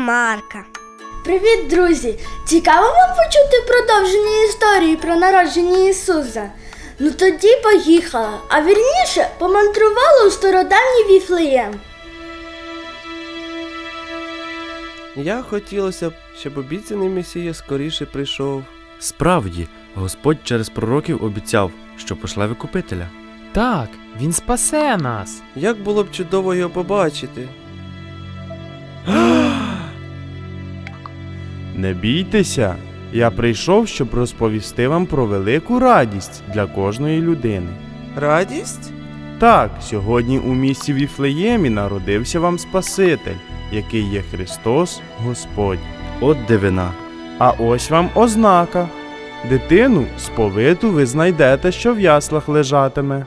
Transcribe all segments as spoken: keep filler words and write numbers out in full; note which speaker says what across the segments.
Speaker 1: Марка.
Speaker 2: Привіт, друзі! Цікаво вам почути продовження історії про народження Ісуса? Ну тоді поїхали, а вірніше помандрували у стародавній Віфлеєм.
Speaker 3: Я хотілося б, щоб обіцяний Месія скоріше прийшов.
Speaker 4: Справді, Господь через пророків обіцяв, що пошле Викупителя.
Speaker 5: Так, він спасе нас.
Speaker 3: Як було б чудово його побачити.
Speaker 6: Не бійтеся, я прийшов, щоб розповісти вам про велику радість для кожної людини.
Speaker 3: Радість?
Speaker 6: Так, сьогодні у місті Віфлеємі народився вам Спаситель, який є Христос Господь.
Speaker 4: От дивина.
Speaker 6: А ось вам ознака. Дитину сповиту ви знайдете, що в яслах лежатиме.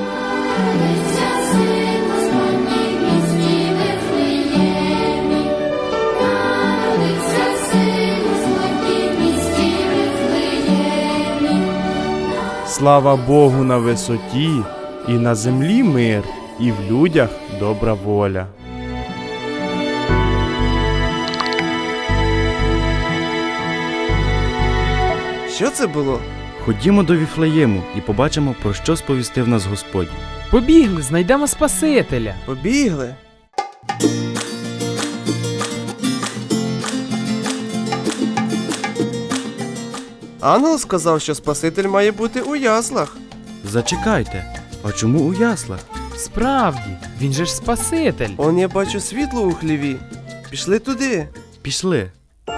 Speaker 6: Слава Богу на висоті, і на землі мир, і в людях добра воля.
Speaker 3: Що це було?
Speaker 4: Ходімо до Віфлеєму і побачимо, про що сповістив нас Господь.
Speaker 5: Побігли, знайдемо Спасителя.
Speaker 3: Побігли. Ангел сказав, що Спаситель має бути у яслах.
Speaker 4: Зачекайте, а чому у яслах?
Speaker 5: Справді, він же ж Спаситель.
Speaker 3: Он я бачу світло у хліві. Пішли туди.
Speaker 4: Пішли.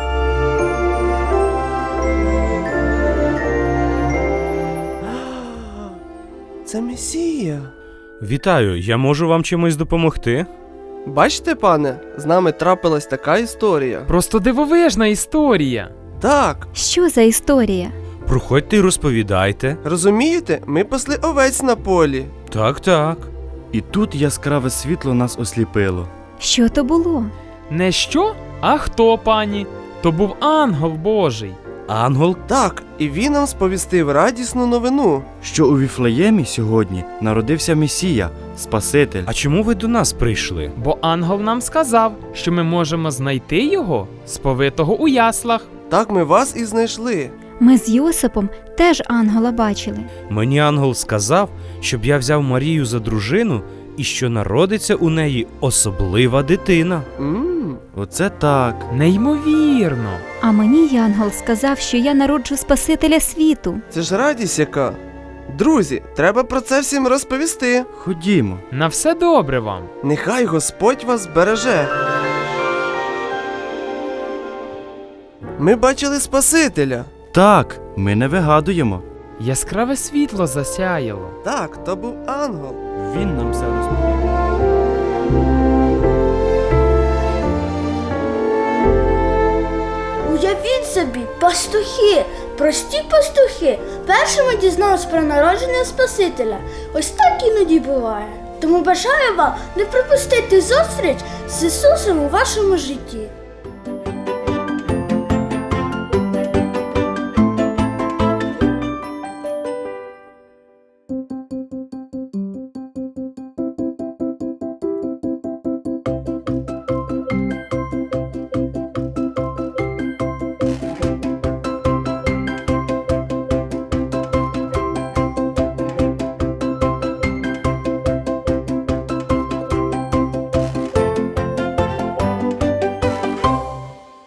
Speaker 3: Це Месія.
Speaker 7: Вітаю, я можу вам чимось допомогти?
Speaker 3: Бачите, пане, з нами трапилась така історія.
Speaker 5: Просто дивовижна історія.
Speaker 3: Так,
Speaker 8: Що за історія?
Speaker 7: Проходьте і розповідайте.
Speaker 3: розумієте, ми пасли овець на полі.
Speaker 7: Так, так.
Speaker 4: І тут яскраве світло нас осліпило.
Speaker 8: Що то було?
Speaker 5: Не що, а хто, пані? То був ангел Божий.
Speaker 7: Ангел?
Speaker 3: Так, і він нам сповістив радісну новину.
Speaker 4: Що у Віфлеємі сьогодні народився Месія, Спаситель.
Speaker 7: А чому ви до нас прийшли?
Speaker 5: Бо ангел нам сказав, що ми можемо знайти його, сповитого у яслах.
Speaker 3: Так ми вас і знайшли.
Speaker 8: Ми з Йосипом теж ангела бачили.
Speaker 7: Мені ангел сказав, щоб я взяв Марію за дружину і що народиться у неї особлива дитина.
Speaker 3: Мм,
Speaker 4: Оце так.
Speaker 5: Неймовірно.
Speaker 8: А мені янгол сказав, що я народжу Спасителя світу.
Speaker 3: це ж радість яка. Друзі, треба про це всім розповісти.
Speaker 4: Ходімо.
Speaker 5: На все добре вам.
Speaker 3: Нехай Господь вас береже. Ми бачили Спасителя.
Speaker 4: Так, ми не вигадуємо.
Speaker 5: Яскраве світло засяяло.
Speaker 3: Так, то був ангел.
Speaker 4: Він нам все розповів.
Speaker 2: Уявіть собі, пастухи, прості пастухи, першими дізнались про народження Спасителя. Ось так іноді буває. Тому бажаю вам не пропустити зустріч з Ісусом у вашому житті.